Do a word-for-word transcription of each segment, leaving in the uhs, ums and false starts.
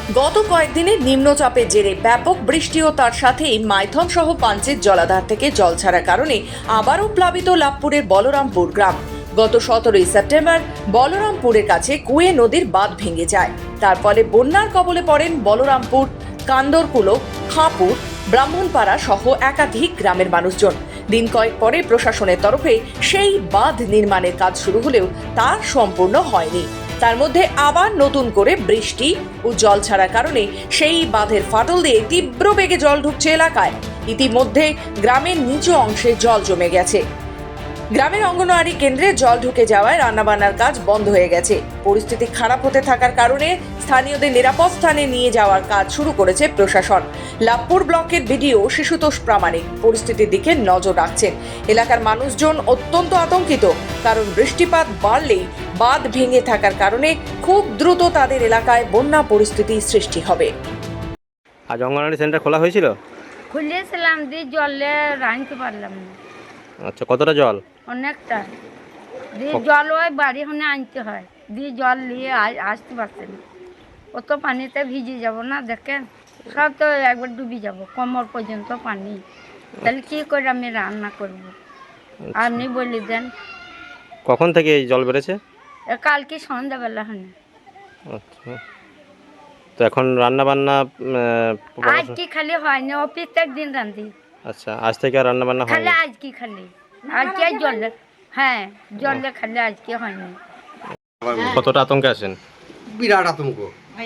গত কয়েকদিনের নিম্নচাপের জেরে ব্যাপক বৃষ্টি ও তার সাথেই মাইথন সহ পাঞ্চের জলাধার থেকে জল ছাড়ার কারণে আবারও প্লাবিত লাভপুরের বলরামপুর গ্রাম। গত সতেরোই সেপ্টেম্বর বলরামপুরের কাছে কুয়ে নদীর বাঁধ ভেঙে যায়। তার ফলে বন্যার কবলে পড়েন বলরামপুর, কান্দরকুলো, খাঁপুর, ব্রাহ্মণপাড়া সহ একাধিক গ্রামের মানুষজন। দিন কয়েক পরে প্রশাসনের তরফে সেই বাঁধ নির্মাণের কাজ শুরু হলেও তা সম্পূর্ণ হয়নি। তার মধ্যে আবার নতুন করে বৃষ্টি ও জল ছাড়ার কারণে সেই বাঁধের ফাটল দিয়ে তীব্র বেগে জল ঢুকছে এলাকায়। ইতিমধ্যে গ্রামের নিচু অংশে জল জমে গেছে। গ্রামের অঙ্গনওয়াড়ি কেন্দ্রে জল ঢুকে যাওয়ায় রান্নাবান্নার কাজ বন্ধ হয়ে গেছে। পরিস্থিতি খারাপ হতে থাকার কারণে স্থানীয়দের নিরাপদ স্থানে নিয়ে যাওয়ার কাজ শুরু করেছে প্রশাসন। লাভপুর ব্লকের বিডিও শিশুতোষ প্রামাণিক পরিস্থিতির দিকে নজর রাখছেন। এলাকার মানুষজন অত্যন্ত আতঙ্কিত, কারণ বৃষ্টিপাত বাড়লেই বাঁধ ভেঙে থাকার কারণে খুব দ্রুত তাদের এলাকায় বন্যা পরিস্থিতি সৃষ্টি হবে। আজ অঙ্গনওয়াড়ি সেন্টার খোলা হয়েছিল? খুলেছিলাম, দিয়ে জলে রাঁধতে পারলাম না। আচ্ছা, কতটা জল? অনেকটা দিয়ে জল ওই বাড়ি হনে আনতে হয়, দিয়ে জল নিয়ে আ- আসতে পারছে না। অত পানিতে ভিজে যাব না, দেখেন সব তো একবার ডুবে যাব, কোমর পর্যন্ত পানি। তাহলে কী করে আমি রান্না করব? আপনি বলে দেন। কখন থেকে এই জল বেড়েছে? এ কালকে সন্ধ্যাবেলা হনে। আচ্ছা, তো এখন রান্না বান্না আজ কি খালি হয়নি, ও প্রত্যেক দিন রাঁধি। আচ্ছা, আজ থেকে আর রান্না বান্না খালি হয়নি? আজ কি খালি আজকে জলে, হ্যাঁ জলে খালি আজকে হয়নি। কতটা আতঙ্কে আছেন? বিরাট আতঙ্ক।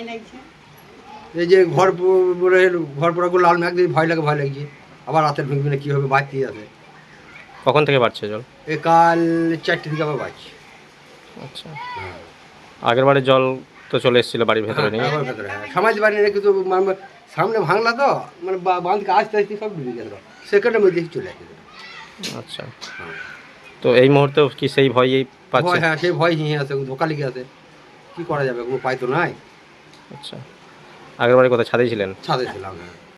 এই যে ঘর প- পরে ঘর পড়াগুলো লাল ম্যাগ দিয়ে ভয় লাগে ভয় লাগছে। আবার রাতের ভেঙে ভেঙে কী হবে বাড়তে আছে। কখন থেকে বাড়ছে জল? এ কাল চারটে দিকে আবার বাড়ছে। আচ্ছা, আগের বারে জল তো চলে এসেছিল বাড়ির ভেতরে নিয়ে? হ্যাঁ, ভেতরে, হ্যাঁ। সমাজ বাড়ি রেখে তো মানে সামনে ভাঙলা তো, মানে বা- বাঁধকে আস্তে আস্তে সব ডুবে গেল, সেকেন্ডের মধ্যে চলে আসে। আচ্ছা, তো এই মুহূর্তেও কি সেই ভয়ই পাচ্ছে? ভয়, হ্যাঁ, সেই ভয় হিঁ আছে, ধোকা লেগে আছে। কী করা যাবে, কোনো উপায় তো নাই। আচ্ছা, আগের বারে কোথায় ছাদেই ছিলেন? ছাদে ছিলাম, হ্যাঁ।